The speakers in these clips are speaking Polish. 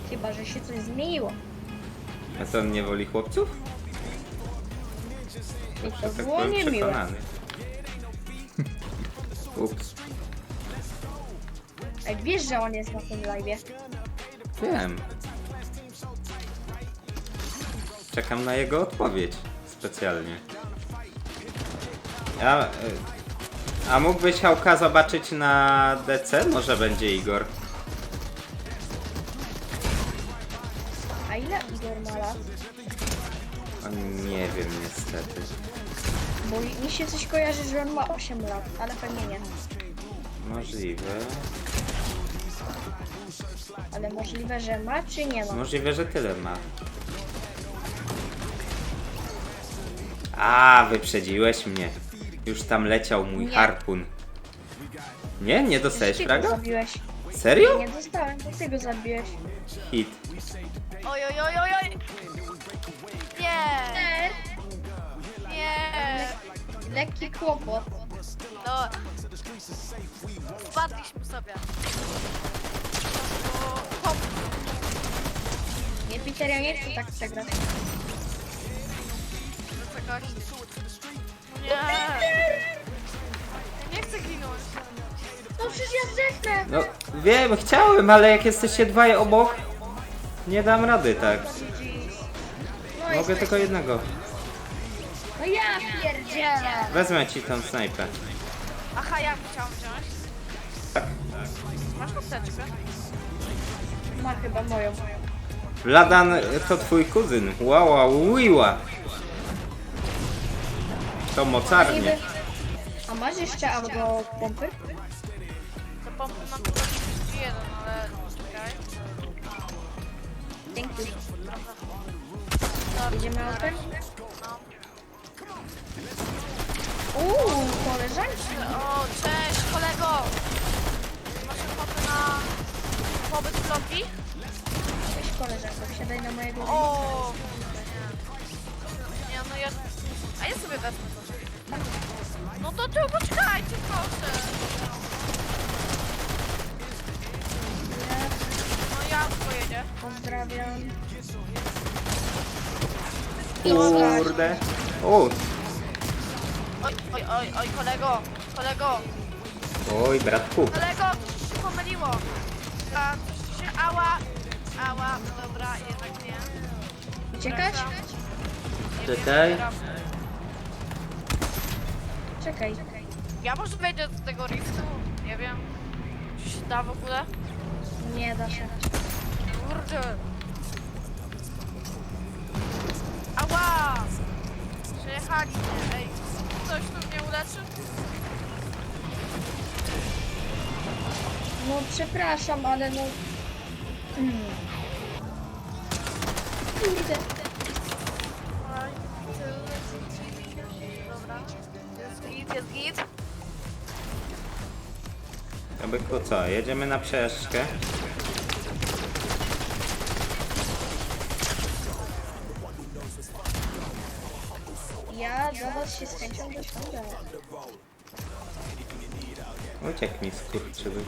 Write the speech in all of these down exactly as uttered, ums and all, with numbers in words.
Chyba, że się coś zmieniło. A co, on nie woli chłopców? I to Tak było byłem niemiłe. przekonany. Ups. Ej, wiesz, że on jest na tym live'ie? Wiem. Czekam na jego odpowiedź. Specjalnie. Ja... y, A mógłbyś Hałka zobaczyć na D C? Może będzie Igor. A ile Igor ma lat? O, nie wiem niestety. Bo mi się coś kojarzy, że on ma osiem lat, ale pewnie nie. Możliwe. Ale możliwe, że ma, czy nie ma? Możliwe, że tyle ma. A, wyprzedziłeś mnie. Już tam leciał mój Nie. harpun. Nie? Nie dostałeś Ty go fraga? zabiłeś. Serio? Nie dostałem, to ty go zabiłeś. Hit. Oj, oj, oj, oj, oj! Nie! Nie! Lekki kłopot. No. Spadliśmy sobie. O, hop. Nie, Peter, ja nie chcę tak przegrać. Do czegoś. Nie! Ja nie chcę ginąć. No przecież ja zdechnę. No, wiem, chciałem, ale jak jesteście dwaj obok, nie dam rady tak. No, Mogę jest... tylko jednego. no ja pierdzielę. Wezmę ci tą snajpę. Aha, ja chciałam wziąć. Tak. Masz kosteczkę? Ma chyba moją. Ladan to twój kuzyn. Łała, łyła. To mocarnie. Niby... A masz jeszcze auto pompy? Do pompy mam tylko trzydzieści jeden, ale czekaj. Dzięki. No, Idziemy autem? no. Uuu, koleżanki. O, cześć kolego! Masz ochotę na pobyt w lobby? Cześć koleżanko, wsiadaj na mojego O! Nie, no ja... A ja sobie wezmę to. No to tu poczekajcie, proszę. No ja pojedzie. Pozdrawiam. Kurde. O, Oj, oj, oj, oj, kolego, kolego, oj, bratku. kolego, coś się pomyliło. A, coś się... Ała, ała, dobra, jednak nie. Uciekać? Nie Czekaj. wiem, Czekaj. Ja może wejdę do tego riftu, nie wiem. Czy się da w ogóle? Nie da się. Kurde. Ała! Przejechali mnie, ej. Ktoś tu mnie uleczy? No przepraszam, ale no... Mm. Kurde. Oj, dobra. Jest git, jest git. To byku co, jedziemy na przejażdżkę. Ja do was się z chęcią doszłam. Uciekł mi skurczybyk.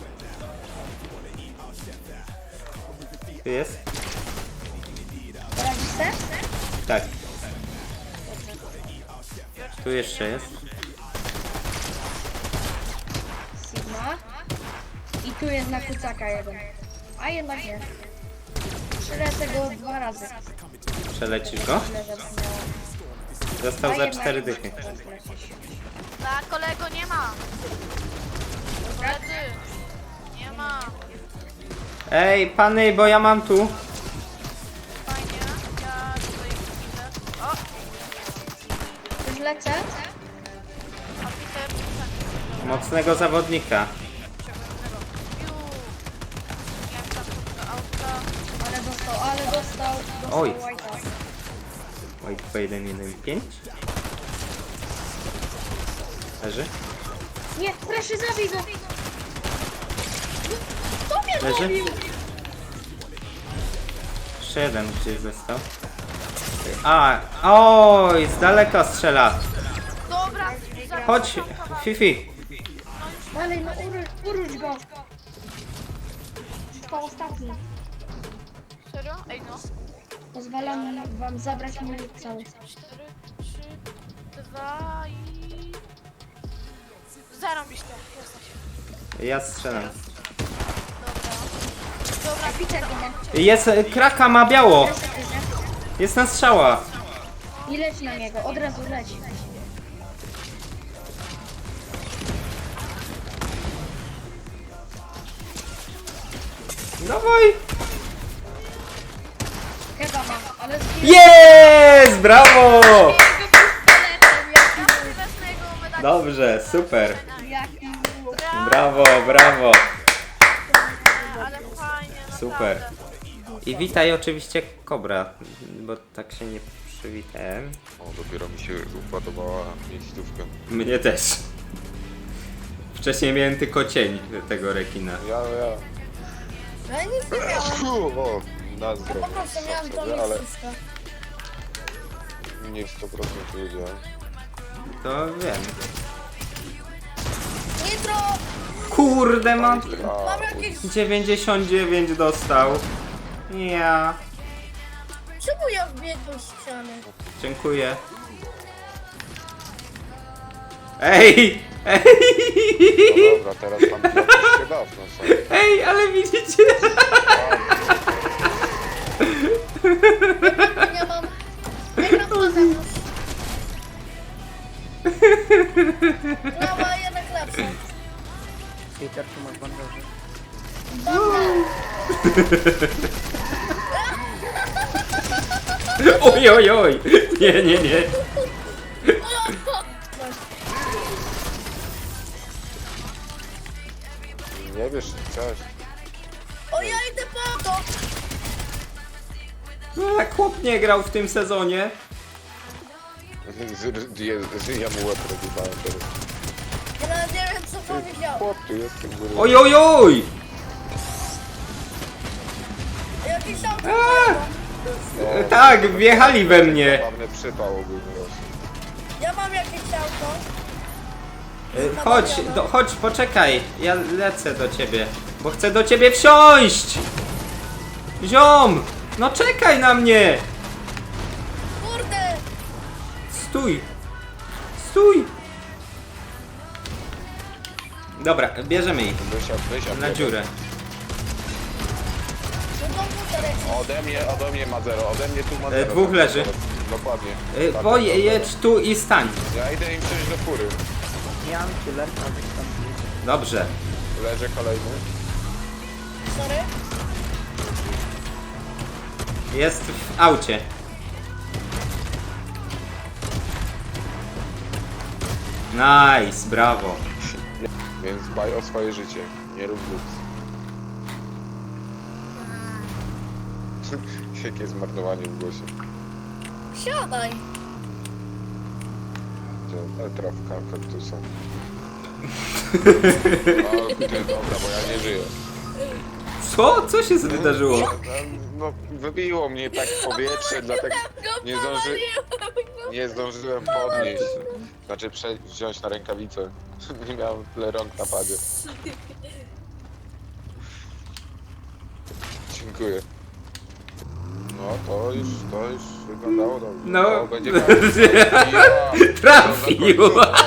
Tu jest? Radzisz se? Tak. Tu jeszcze jest. Sigma. I tu jest na kucaka jeden. A jednak nie. Przylecę go dwa razy. Przelecisz go? Tyle, że miała. Został A za jednak cztery nie dychy. chcę zlecieć. Tak, kolego, nie ma. Koledzy, nie ma. Ej, pany, bo ja mam tu. Fajnie, ja tutaj widzę. O, Już lecę? a Peter, tak. Mocnego zawodnika. Piu. Jak tam do auta. Ale dostał, ale dostał. Dostał Oj. White'a. Oj, dwa jeden jeden pięć. Leży? Nie, proszę zabij go! Kto mnie Leży? zabił? Jeszcze jeden gdzieś został. A, oj, z daleka strzela. Dobra, za- Chodź, Fifi. Dalej, no uruć, uruć go! To ostatni. Serio? Ej no. Pozwalam wam zabrać mój cały. cztery, trzy, dwa i... Zarobisz to, jesteś. Ja strzelam. Dobra. Dobra, Widzę go ma. Jest, e, kraka ma biało. Teraz tak widzę. Jest na strzała. I leć na niego, od razu leć. Dawaj. Chyba ma, ale z Jest! Brawo! ja sobie wezmę jego medal. Dobrze, super. Jaki był. Brawo, brawo. Ale fajnie, Super. naprawdę. I witaj oczywiście Kobra, bo tak się nie przywitałem. O, dopiero mi się upadowała miejscówka. Mnie też. Wcześniej miałem tylko cień tego rekina. Ja, ja. Ja nic nie miałam. O, na Po zdrowie. prostu miałam to sobie, ale miejscówkę. nie sto procent wiedziałem. To wiem. Nitro! Kurde, mam A, Mam jakieś... dziewięćdziesiąt dziewięć dostał. Ja. Czemu ja wbiegłem z ściany? Dziękuję. Ej! Ej! no dobra, teraz tam jakiś się dawno są. Ej, ale widzicie? Ja mam... Ja gram na zewnątrz. No, ale jednak lepsze. Peter, tu masz bandaże. Oj, oj, oj! Nie, nie, nie. Nie wiesz, coś. O, ja idę po to! No, jak chłop nie grał w tym sezonie. Z, z, z, z, ja mu łeb rozjebałem teraz. Ja nawet nie wiem, co powiedział. Chłop, tu jest tym góry. Oj, oj, oj! Jakiś tam... No, Tak, wjechali we mnie. Zabawny przypał ogólny rośnie. Ja mam jakieś auto. Y, Chodź, do, chodź, poczekaj. Ja lecę do ciebie, bo chcę do ciebie wsiąść. Ziom! No czekaj na mnie! Kurde! Stój! Stój! Dobra, bierzemy ich Wysiadł, wysiadł. na dziurę. No komputer jest. Ode mnie, ode mnie ma zero, ode mnie tu ma E, zero. dwóch leży. Dokładnie. Y, Tak, Bo tak, jedź tu i stań. Ja idę im przejść do fury. Ja mam killerka, więc tam gdzieś. Dobrze. Leży kolejny. Sorry. Jest w aucie. Nice, brawo. Więc dbaj o swoje życie. Nie rób głupstw. Jakie zmarnowanie w głosie. Siadaj. Gdzie- e, Trawka kaktusa. O, ty, dobra, bo ja nie żyję. Co? Co się wydarzyło? No, wybiło mnie tak w powietrze, dlatego nie, zdąży, nie zdążyłem podnieść. Znaczy prze, wziąć na rękawicę. Nie miałem tyle rąk na padzie. Dziękuję. No to już, to już wyglądało dobrze. No. O, będzie koniec. Ja, Trafił.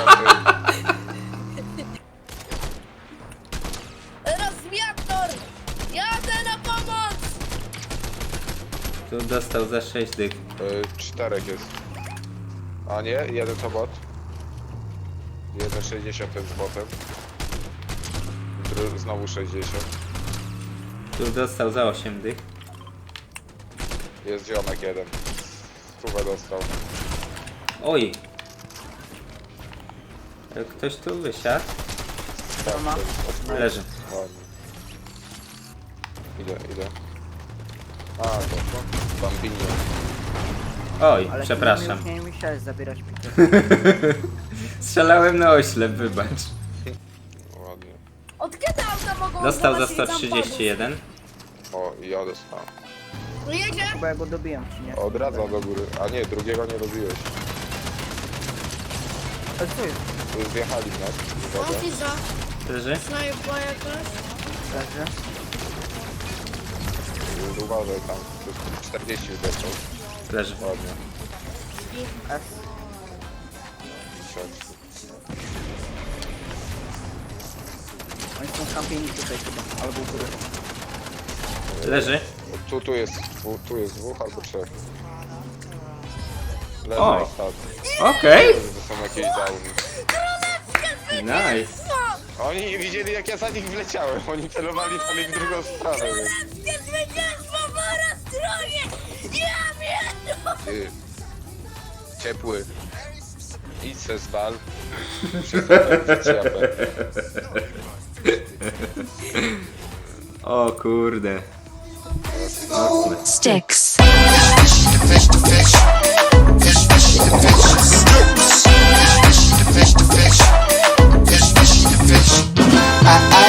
Rozwiator! Jadę na pomoc! Tu dostał za sześć dych. Y, czterech jest. A nie, jeden to bot. jeden sześćdziesiąt jest botem. Dru- Znowu sześćdziesiąt. Tu dostał za osiem dych. Jest ziomek jeden. Stówę dostał. Oj. E, Ktoś tu wysiadł? Tak, ma? to jest- Leży. Ładnie. Idę, idę. A, to to. Bambini. Oj, Ale przepraszam. Już nie musiałeś zabierać Peter. Strzelałem na oślep, wybacz. Ładnie. Od kiedy auta mogą Dostał za zobaczyć sto tam trzydzieści jeden. O, i ja dostałem. pomóc? No jedzie! Chyba ja go dobiłem, czy nie? Odradza do góry. A nie, drugiego nie robiłeś. Ale co jest? Tu zjechali w nas. Mam Uwaga. pizza. Leży? Snajpa jakaś. Leży? uważaj tam. To jest czterdzieści wydeszczą. Leży. Ładnie. S. Oni są kampieni tutaj chyba, albo u góry. Leży. Tu, tu jest, tu, tu jest dwóch albo trzech. O. Leży tak. Okej. To są jakieś downy. Nice. Oni nie widzieli jak ja za nich wleciałem. Oni celowali dalej w drugą stronę. Więc... Ty. Ciepły. Idź se z bal. O kurde. Mocne. Sticks. Fish to fish. Fish, fish to fish. Fish to fish.